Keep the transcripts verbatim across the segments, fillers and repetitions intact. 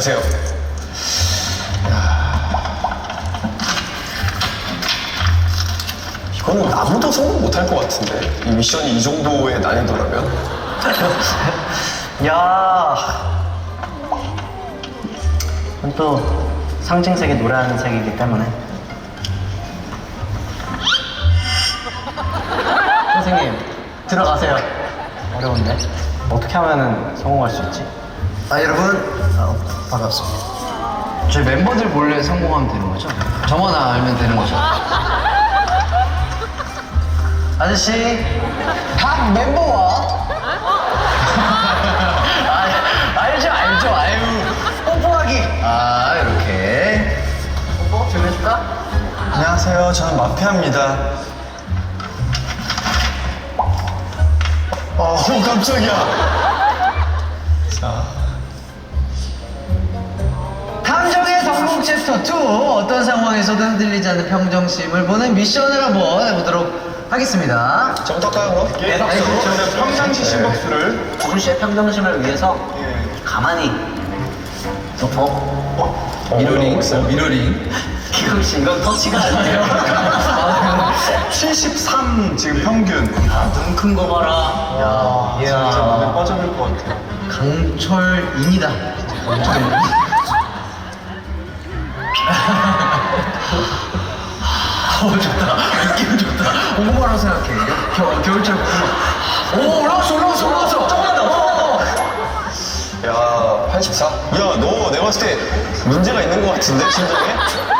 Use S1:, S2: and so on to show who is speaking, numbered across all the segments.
S1: 안녕하세요. 이거는 아무도 성공 못할 것 같은데? 이 미션이 이 정도의 난이도라면?
S2: 야. 이건 또 상징색이 노란색이기 때문에. 선생님, 들어가세요. 어려운데? 어떻게 하면은 성공할 수 있지?
S3: 아 여러분 어, 반갑습니다. 저희 멤버들 몰래 성공하면 되는 거죠? 저만 알면 되는 거죠? 아저씨 각 멤버와 아, 알죠 알죠 아유 뽀뽀하기 아 이렇게 뽀뽀 좀 해줄까?
S1: 안녕하세요. 저는 마피아입니다. 어, 깜짝이야. 자.
S3: 탐정의 성공 챕터 이 어떤 상황에서도 흔들리지 않는 평정심을 보는 미션을 한번 해보도록 하겠습니다.
S1: 저부터 할까요, 그럼?
S2: 예,
S1: 아니,
S2: 박수.
S1: 저는 평상시 심박수를.
S2: 주준 씨의 평정심을 위해서 가만히 덮어.
S1: 어,
S3: 미러링,
S1: 있어요.
S3: 미러링.
S2: 기광 씨, 이건 터치가 아니에요.
S1: 칠십삼 지금 평균.
S2: 눈 큰 거 봐라.
S1: 야,
S2: 이야.
S1: 진짜 안에 빠져들 것 같아요.
S3: 강철인이다. 강철인. 어 좋다. 느낌 좋다. 공부하라고 생각해. 겨, 겨울철 공부. 오 올라왔어 올라왔어 올라왔어.
S2: 조금만 더. 어.
S1: 야, 팔십사? 야, 너 내가 봤을 때 문제가 있는 것 같은데, 심장에?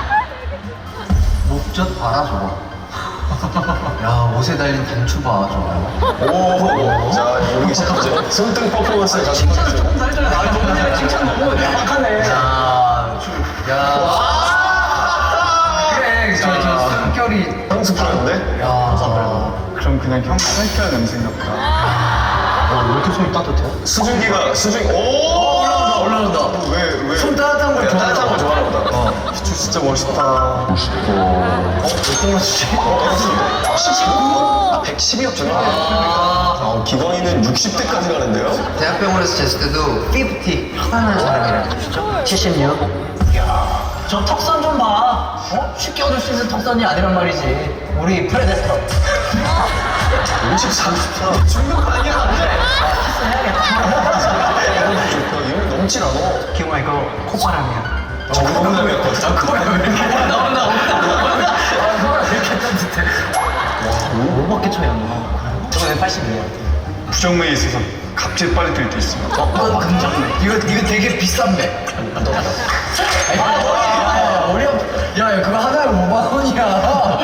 S3: 목젖 봐라 저거. 야 옷에 달린 단추 봐 저거.
S1: 오, 자, 여기 이제 손등 퍼포먼스를 가지고.
S2: 칭찬을 조금 더 해줘야 나 너무 전에 칭찬 너무 야박하네.
S3: 야, 주, 야. 그래, 저, 저 숨결이.
S1: 향수 뿌렸는데?
S3: 야,
S4: 그럼 그냥 형 살쪄야 냄새인가 보다.
S2: 와, 왜 이렇게 손이 따뜻해?
S1: 수증기가, 수증, 오!
S3: 올라온다, 올라온다.
S1: 왜, 왜?
S3: 손 따뜻한 걸
S1: 야,
S3: 좋아하나
S1: 따뜻한 걸
S3: 봐.
S1: 좋아하나 보다. 어. 비추 진짜 멋있다. 멋있다. 어? 몇 등 맞추지? 어, 십구? 아, 백십이었구나.
S3: 아,
S1: 아, 기광이는 육십 대까지 가는데요?
S3: 대학병원에서 쟀을 때도 오십 편안한 사람이라는 뜻이죠.
S2: 칠십육. 저 턱선 좀 봐. 어? 쉽게 얻을 수 있는 턱선이 아니란 말이지. 우리 프레데스터.
S1: 오십삼, 십사. 중독 아니야, 안 돼. 이거 좋다. 이거 넘진 않아.
S2: 기광아, 이거 콧바람이야.
S1: 정동남이었거든.
S2: 아, 콧바람 왜 이렇게 나온다, 나온다, 나온다. 아, 콧바람 왜 이렇게 따뜻해. 와, 오밖에 차이 안 나. 저번에 팔십이야.
S4: 부정맥이 있어서 갑자기 빨리 들 때 있습니다.
S2: 어, 긍정맥.
S3: 이거, 이거 되게 비싼 맥.
S2: 아, 머리.
S3: 머리 아파. 야, 야, 그거 하나에 오만 원이야.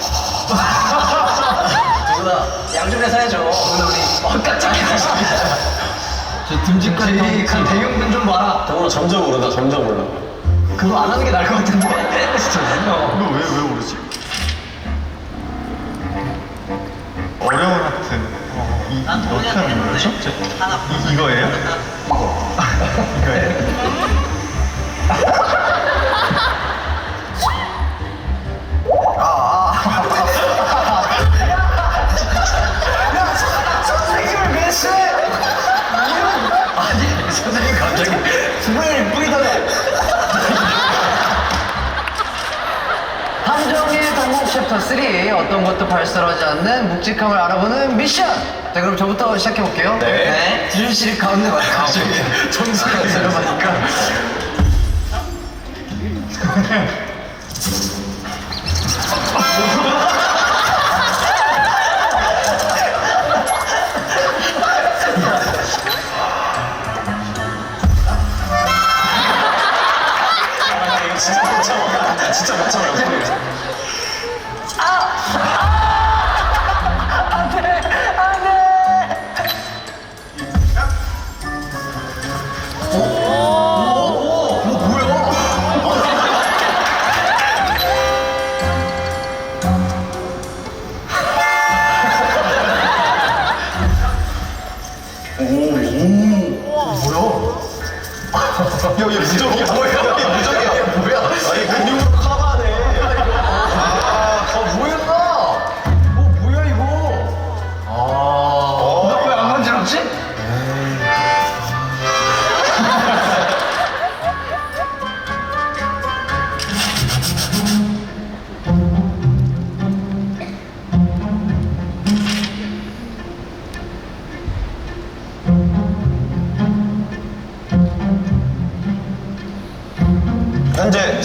S2: 누구나 양쪽에서 해줘. 오늘 우리 엇깍장이
S3: 저 듬직한
S2: 그 대형근 좀 봐라.
S1: 정말 점점 오르다, 점점 올라.
S2: 그거 안 하는 게 나을 것 같은데. 진짜.
S4: 이거 왜, 왜 모르지? 어려운 하트. 어, 이,
S2: 난
S4: 어떻게
S2: 돈이 안
S4: 하는 거죠?
S2: 되는데.
S4: 저-
S2: 하나
S4: 이, 이거예요? 이거. 이거예요?
S3: 선생님을 위해서 아니 선생님 갑자기 분을 뿌리더래. 함정의 성공 챕터 삼 어떤 것도 발설하지 않는 묵직함을 알아보는 미션. 자 그럼 저부터 시작해 볼게요.
S1: 네.
S3: 주준 씨를 가운데 말까 점수가 들어가니까.
S1: 이거 진짜 못 참아. 진짜 못 참아. 야, 얘 무적이야. 뭐야? 얘 무적이야.
S3: 뭐야?
S1: 아니, 근육으로 커버하네.
S3: 아 뭐였나? 어 뭐야 이거? 아. 나 왜 안 간지럽지?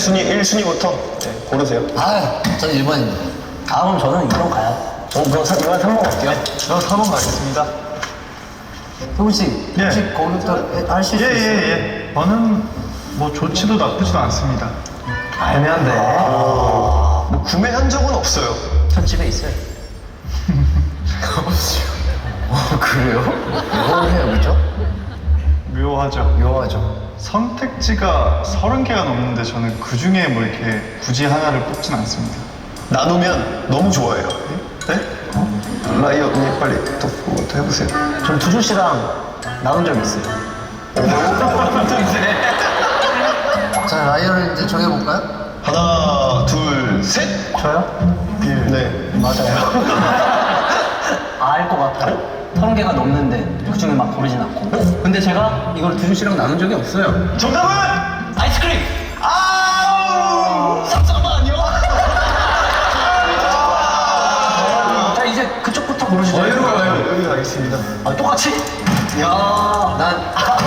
S1: 순위 일 순위부터 네, 고르세요.
S3: 아, 전 일 번입니다.
S2: 아, 그럼 저는 이 번 가요.
S1: 어, 그럼 사- 이번 삼 번 갈게요.
S4: 저 사 번 가겠습니다.
S3: 효군 씨,
S4: 예.
S3: 혹시 거기부터 하실 수 있어요?
S4: 예예예. 저는 뭐 좋지도 나쁘지도 않습니다.
S3: 애매한데.
S1: 뭐 구매한 적은 없어요.
S3: 전 집에 있어요. 어, 그래요? 뭘 해요, 그죠?
S4: 묘하죠.
S3: 묘하죠.
S4: 선택지가 서른 개가 넘는데 저는 그 중에 뭐 이렇게 굳이 하나를 뽑진 않습니다.
S1: 나누면 너무 좋아해요. 네? 라이어 언니 빨리 또 그것도 해보세요.
S2: 전 두준 씨랑 나눈 적 있어요.
S3: 자, 라이어를 이제 정해볼까요?
S1: 하나, 둘, 셋.
S2: 저요?
S1: 네.
S2: 맞아요. 알 것 같아요. 서른 개가 넘는데 그 중에 막 고르진 않고. 어? 근데 제가 이걸 두준 씨랑 나눈 적이 없어요.
S1: 정답은
S2: 아이스크림! 아우! 잠깐만요. 자, 이제 그쪽부터 고르시죠.
S1: 여기 가겠습니다.
S2: 아, 똑같이? 야, 난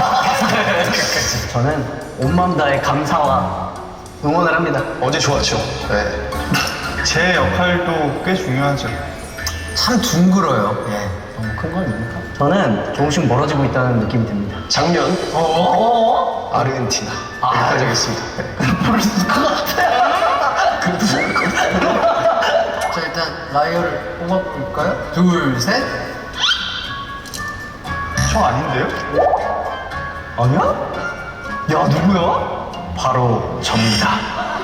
S2: 저는 온 마음 다해 감사와 응원을 합니다.
S1: 어제 좋았죠. 네.
S4: 제 역할도 꽤 중요하죠.
S3: 참 둥글어요. 예.
S2: 너무 큰 건 아닙니까? 저는 조금씩 멀어지고 있다는 느낌이 듭니다.
S1: 작년
S2: 어?
S1: 아르헨티나 여기까지 하겠습니다. 네.
S2: 모르실 것 같아요.
S3: 자, 일단 라이어를 뽑아볼까요? 둘, 셋.
S4: 저 아닌데요?
S2: 아니야? 야, 누구야? 바로 접니다.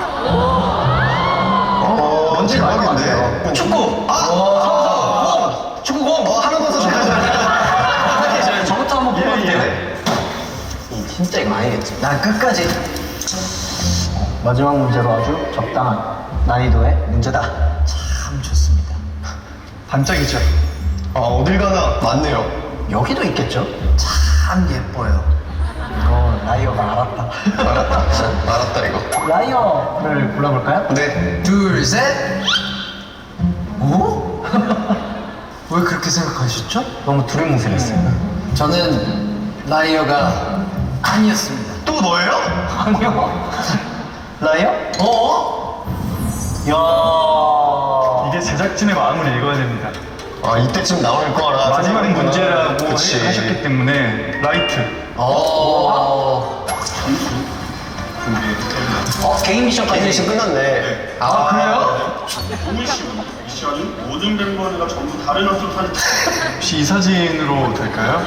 S1: 어, 뭔지
S2: 대박인데?
S1: 알겠는데.
S2: 축구! 아! 공! 축구공!
S1: 어, 하나 더 좋다.
S2: 저부터 한번 뽑아도 돼요?
S3: 진짜 이거 아니겠지. 난 끝까지.
S2: 마지막 문제로 아주 적당한 난이도의 문제다.
S3: 참 좋습니다.
S1: 반짝이죠. 아, 어딜 가나 많네요.
S2: 여기도 있겠죠?
S3: 참 예뻐요.
S2: 이거 라이어가 알았다.
S1: 알았다. 알았다, 이거.
S2: 라이어를 골라볼까요?
S1: 네.
S3: 둘, 셋. 오? 왜 그렇게 생각하셨죠?
S2: 너무 두리뭉실했어요.
S3: 저는 라이어가 아니었습니다.
S1: 또 너예요?
S2: 아니요. 라이어?
S3: 어?
S2: 야.
S4: 이게 제작진의 마음을 읽어야 됩니다.
S1: 아, 이때쯤 나올 거라.
S4: 마지막
S1: 생각했구나.
S4: 문제라고
S1: 그치.
S4: 하셨기 때문에 라이트.
S3: 어.
S2: 어, 개인 미션까지.
S1: 이제 끝났네. 아,
S2: 그래요?
S5: 오늘 미션이 모든 멤버들과 전부 다른 옷을 사는
S4: 혹시 이 사진으로 될까요?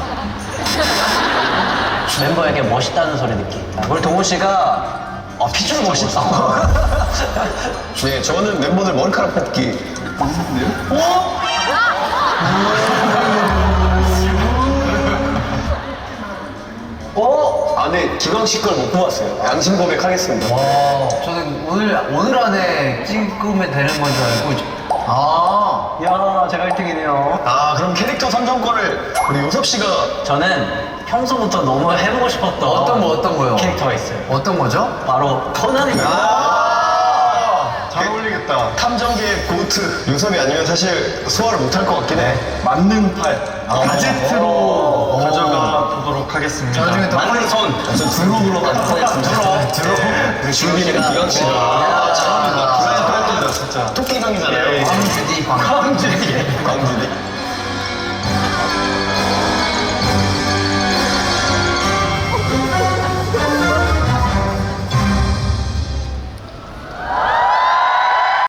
S2: 멤버에게 멋있다는 소리 듣기. 우리 동훈 씨가 어, 피줄 멋있다고.
S1: 네, 저는 멤버들 머리카락 뽑기. 어? 아, 네, 기광식 걸 못 뽑았어요. 양심 고백하겠습니다.
S3: 와, 저는 오늘 오늘 안에 찍으면 되는 건 줄 알고. 아,
S2: 야, 제가 일 등이네요.
S1: 아, 그럼 캐릭터 선정권을 우리 요섭 씨가.
S2: 저는 평소부터 너무 해보고 싶었던
S3: 어떤 거 어떤 거요?
S2: 캐릭터가 있어요.
S3: 어떤 거죠?
S2: 바로 코난입니다.
S1: 아,
S4: 잘 어울리겠다.
S1: 탐정계의 고트. 요섭이 아니면 사실 소화를 못할 것 같긴 해.
S4: 맞는 팔. 가제트로 가져가 보도록 하겠습니다.
S3: 저 중에 더
S2: 맞는 손.
S1: 저 드롭으로 가도록 하겠습니다. 드롭. 우리 준비는 기광 씨가.